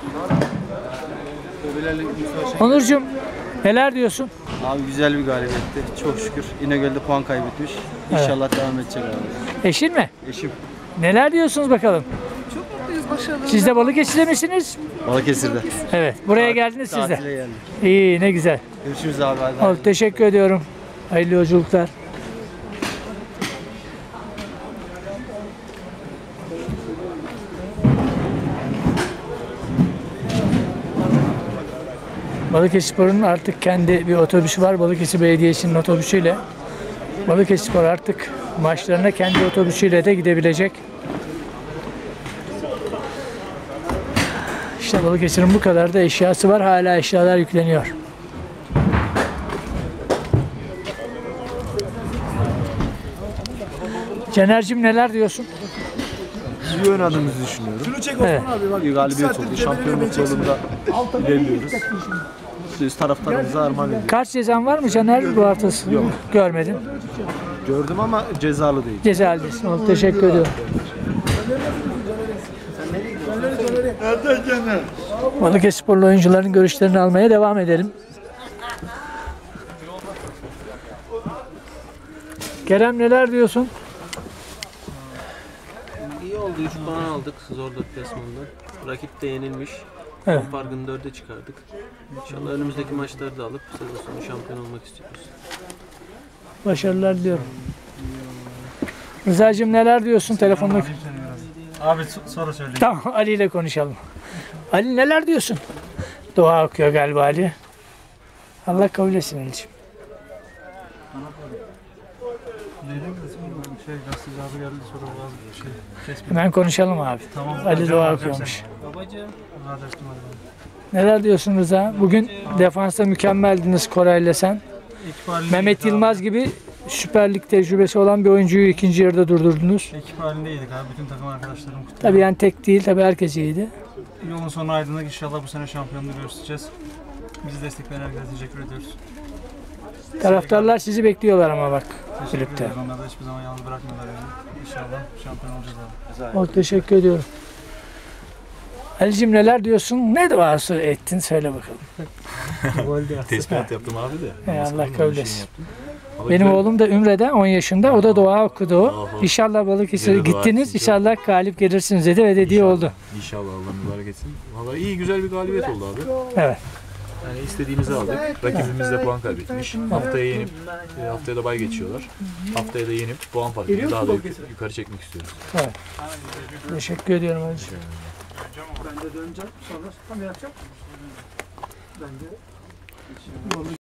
Onurcuğum neler diyorsun? Abi güzel bir galibiyetti. Çok şükür. İnegöl'de puan kaybetmiş. İnşallah devam edecek abi. Eşin mi? Eşim. Neler diyorsunuz bakalım? Çok mutluyuz, başarılı. Siz de Balıkesir'de misiniz? Balıkesir'de. Evet. Buraya geldiniz siz de. Tatile geldik. İyi, ne güzel. Görüşürüz abi. Hadi. Oldu, teşekkür ediyorum. Hayırlı yolculuklar. Balıkesirspor'un artık kendi bir otobüsü var. Balıkesir Belediyesi'nin otobüsüyle. Balıkesirspor artık maçlarına kendi otobüsüyle de gidebilecek. İşte Balıkesir'in bu kadar da eşyası var. Hala eşyalar yükleniyor. Caner'cim neler diyorsun? İyi oynadığımızı düşünüyorum. Evet. İyi galibiyet oldu. Şampiyonluk yolunda ilerliyoruz. Biz taraftarımıza armağan ediyoruz. Kaç cezan var mı Caner bu haftası? Yok. Görmedim. Gördüm ama cezalı değil. Cezalıdasın. Oldu, teşekkür ediyorum. Balıkesirsporlu oyuncuların görüşlerini almaya devam edelim. Kerem neler diyorsun? İyi oldu. 3 puan aldık zor deplasmanda. Rakip de yenilmiş. Evet. Evet. Farkını 4'e çıkardık. İnşallah önümüzdeki maçları da alıp sezon sonu şampiyon olmak istiyoruz. Başarılar diliyorum. Rıza'cığım neler diyorsun telefonda? Abi soru söyle. Tamam, Ali ile konuşalım. Ali neler diyorsun? Dua okuyor galiba Ali. Allah kabul etsin Ali'ciğim. Gazeteci abi geldi soru kesme. Hemen konuşalım abi. Tamam. Ali dua okuyormuş. Babacığım. Hadi açtım hadi. Neler diyorsun Rıza? Bugün defansta mükemmeldiniz Koray'la sen. Ekip halindeydik Mehmet abi. Yılmaz gibi Süper Lig tecrübesi olan bir oyuncuyu ikinci yarıda durdurdunuz. Ekip halindeydik abi. Bütün takım arkadaşlarım kutluyor. Tabii yani tek değil, tabii herkes iyiydi. Yolun sonu aydınlık. İnşallah bu sene şampiyonluğu göstereceğiz. Bizi destekleyen herkese teşekkür ediyoruz. Taraftarlar sizi bekliyorlar ama bak Teşekkür kulüpte. ediyoruz. Onlar da hiçbir zaman yalnız bırakmıyorlar yani. İnşallah şampiyon olacağız abi. Oldu, teşekkür ediyorum. Ali'cim neler diyorsun? Ne duası ettin? Söyle bakalım. Tespit yaptım abi de. Ey Allah kabul etsin. Benim oğlum da Ümre'de 10 yaşında. O da dua okudu. İnşallah Balıkesir'e Güzel dua gittiniz. etsin. İnşallah galip gelirsiniz dedi ve dediği oldu. İnşallah Allah mübarek etsin. Valla iyi güzel bir galibiyet oldu abi. Evet. Yani istediğimizi aldık. Rakibimiz de puan kaybetmiş. Haftaya yenip, haftaya da bay geçiyorlar. Haftaya da yenip puan farkını daha da yukarı çekmek istiyoruz. Teşekkür ediyorum Ali'cim. Ben de döneceğim. Sonra tam yapacağım. Ben de